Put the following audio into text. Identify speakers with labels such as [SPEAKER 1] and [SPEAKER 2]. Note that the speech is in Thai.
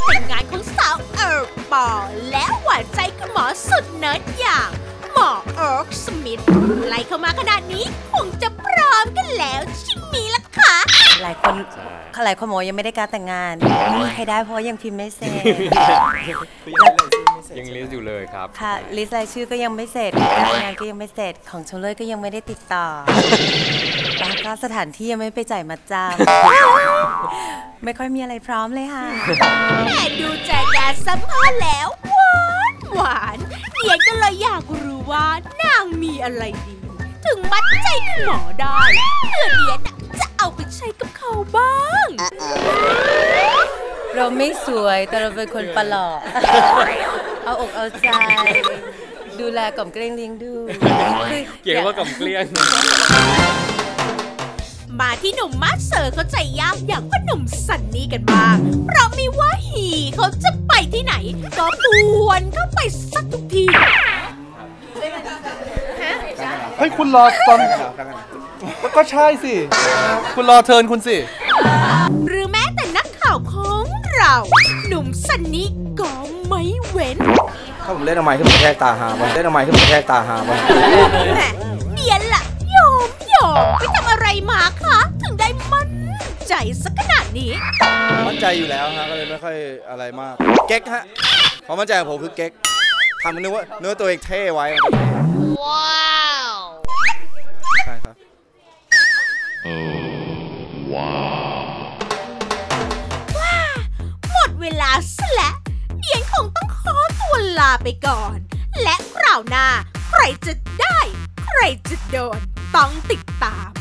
[SPEAKER 1] แต่งงานของสาวปอและหวานใจคุณหมอสุดเนิร์ดอย่างหมอสมิธไล่เข้ามาขนาดนี้คงจะพร้อมกันแล้วใช่ไหมล่ะคะ
[SPEAKER 2] หลายคนบอกยังไม่ได้การแต่งงานไม่มีใครได้เพราะยังพิมพ์ไม่เสร็จ
[SPEAKER 3] ยังลิสต์อยู่เลยครับ
[SPEAKER 2] ค่ะลิสต์รายชื่อก็ยังไม่เสร็จการแต่งงานก็ยังไม่เสร็จของชมเลยก็ยังไม่ได้ติดต่อแล้วก็สถานที่ยังไม่ไปจ่ายมัดจำไม่ค่อยมีอะไรพร้อมเลยค่ะ
[SPEAKER 1] แต่ดูจากการสัมภาษณ์แล้วหวานเดียนก็เลยอยากรู้ว่านางมีอะไรดีถึงมัดใจคุณหมอได้เพื่อเดียนจะเอาไปใช้กับเขาบ้าง
[SPEAKER 2] เราไม่สวยแต่เราเป็นคนประหลาดเอาอกเอาใจดูแลกล่อมเกลี้ยงเลี้ยงดู
[SPEAKER 3] เกี่ยวว่ากล่อมเกลี้ยง
[SPEAKER 1] มาที่หนุ่มมาสเซอร์เขาใจยากอย่างพ่อหนุ่มซันนี่กันบ้างเพราะไม่ว่าฮีเขาจะไปที่ไหนก็ป่วนเข้าไปสักทุกที
[SPEAKER 4] เฮ้ยคุณรอตอนก็ใช่สิคุณรอเทิร์นคุณสิ
[SPEAKER 1] หรือแม้แต่นักข่าวของเราหนุ่มซันนี่ก็ไม่เว้น
[SPEAKER 4] ถ้าผมเล่นทำไมขึ้นมาแทกตาหาบอลเล่นทำไมขึ้นมาแทกตาหาบอล
[SPEAKER 1] แหมเดียนล่ะยอมไปทำอะไรมาคะถึงได้มั่นใจสักขนาดนี้
[SPEAKER 4] มั่นใจอยู่แล้วฮะก็เลยไม่ค่อยอะไรมากเก๊กฮะความมั่นใจของผมคือเก๊กทำนึกว่าเนื้อตัวเองเท่ไว้ว้าวใช่ครับ
[SPEAKER 1] ว้าหมดเวลาซะแล้วเดียนคงต้องขอตัวลาไปก่อนและคราวหน้าใครจะได้ใครจะโดนต้องติดตาม